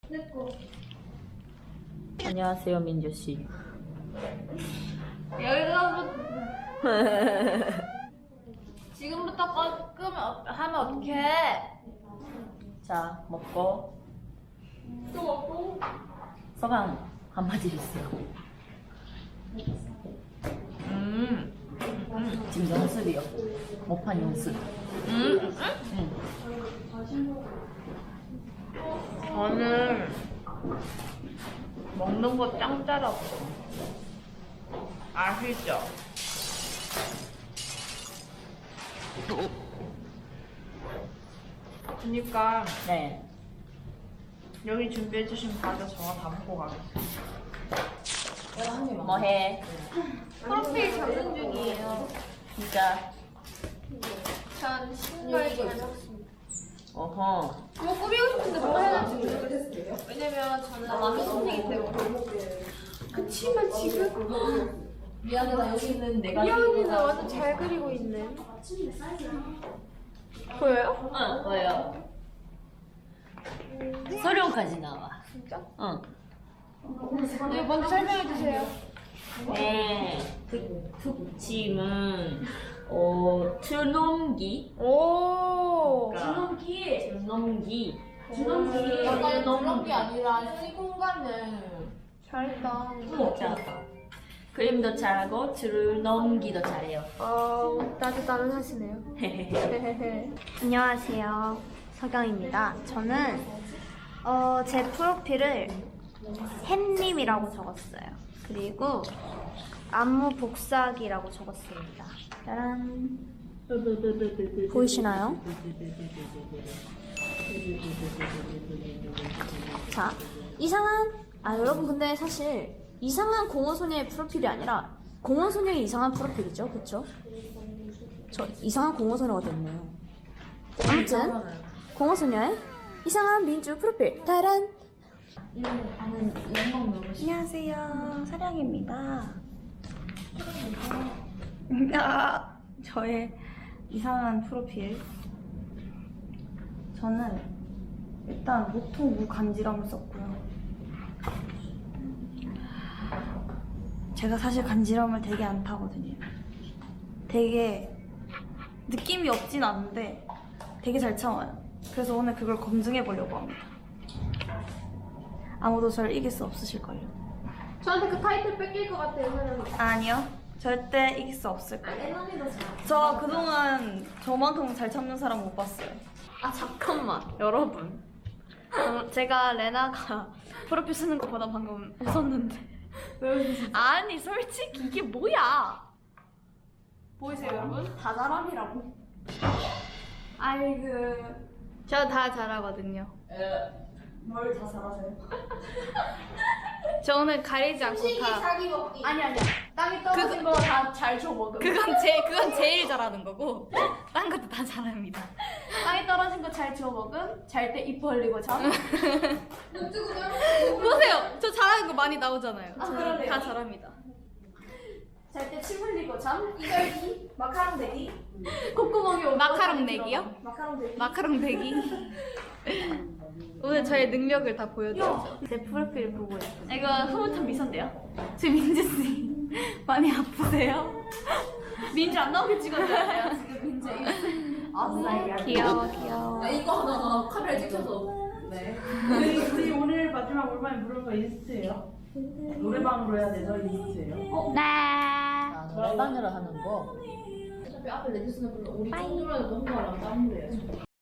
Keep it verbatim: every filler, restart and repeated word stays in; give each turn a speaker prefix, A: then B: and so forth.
A: 안녕하세요, 민주 씨.
B: 여기서 지금부터 꺼, 끄면 어- 하면 어떡해?
A: 자, 먹고.
B: 또 먹고?
A: 소감 한마디 해주세요.
B: 음,
A: 음, 지금 연습이요. 모판 연습.
B: 음,
A: 응.
B: 저는 먹는 거 짱 잘하고 아시죠? 그니까
A: 네.
B: 여기 준비해주신 과자 저거 다 먹고 가겠습니다.
A: 뭐 해?
B: 프로필 적응 중이에요.
A: 진짜.
B: 전 신발 다녔습니다.
A: 어허.
B: 이거 꾸미고 싶은데 뭐 해야지? 왜냐면 저는 완전 선생이기 때문에. 그치만 지금
A: 미안해, 나 여기는 내가.
B: 이 언니는 완전 잘 그리고 있네. 보여요?
A: 응, 뭐예요? 소룡까지 나와.
B: 진짜?
A: 응.
B: 네, 먼저 설명해 주세요.
A: 네. 그 특징은 어 줄넘기.
B: 오.
A: 줄넘기. 줄넘기.
B: 줄넘기.
A: 약간
B: 줄넘기 아니라 시공간을 잘했다.
A: 자, 그림도 잘하고 줄넘기도 잘해요.
B: 아, 따뜻따뜻하시네요.
C: 안녕하세요. 서경입니다. 저는 어, 제 프로필을 햇님이라고 적었어요. 그리고 안무 복사기라고 적었습니다. 짜란. 보이시나요? 자, 이상한 아 여러분 근데 사실 이상한 공허소녀의 프로필이 아니라 공허소녀의 이상한 프로필이죠, 그쵸? 저 이상한 공허소녀가 됐네요. 아무튼 공허소녀의 이상한 민주 프로필 따란. 안녕하세요, 사령입니다. 아, 저의 이상한 프로필. 저는 일단 목통 무간지럼을 썼고요. 제가 사실 간지럼을 되게 안 타거든요. 되게 느낌이 없진 않은데 되게 잘 참아요. 그래서 오늘 그걸 검증해 보려고 합니다. 아무도 저를 이길 수 없으실걸요.
B: 저한테 그 타이틀 뺏길 것 같아요, 사장님.
C: 아니요, 절대 이길 수 없을걸요.
B: 애나니도 잘.
C: 저 그동안 저만큼 잘 참는 사람 못 봤어요.
B: 아, 잠깐만, 여러분.
C: 어, 제가 레나가 프로필 쓰는 것보다 방금 웃었는데. 아니 솔직히 이게 뭐야?
B: 보이세요, 여러분?
C: 다 사람이라고. 아이고.
B: 저 다 잘하거든요.
C: 뭘 다 잘하세요?
B: 저 오늘 가리지 않고 다.
D: 자기 먹기.
C: 아니 아니야.
B: 땅이 떨어진 거 다 잘 줘 먹음.
C: 그건 제 그건 제일 잘하는 거고 딴 것도 다 잘합니다.
B: 땅이 떨어진 거 잘 줘 먹음. 잘 때 입 벌리고 잠.
C: 보세요, 저 잘하는 거 많이 나오잖아요.
B: 아,
C: 저는
B: 그러네요.
C: 다 잘합니다.
B: 잘 때 침 흘리고 잠.
D: 이갈기, 마카롱 대기,
B: 콧구멍이 오고.
C: 마카롱 내기요?
D: 마카롱 대기.
C: 마카롱 대기.
B: 오늘 저의 능력을 다 보여드리죠.
C: 제 프로필 보고 있어요. 이거 흐뭇한 미소인데요? 지금 민주 씨 많이 아프세요?
B: 민주 안 나오게 찍어줘야 돼요. 지금 민주.
D: 아싸.
C: 귀여워 귀여워.
D: 아, 이거 하나 카메라 찍혀서. 네.
E: 우리, 우리 오늘 마지막 올바인 부른 거 인스트예요. 노래방으로 해야 돼서 인스트예요.
C: 네.
A: 아, 노래방으로 하는 거.
D: 어차피 앞에 레지스는 별로 우리 정도면 너무 말하면 땀 흘려야죠.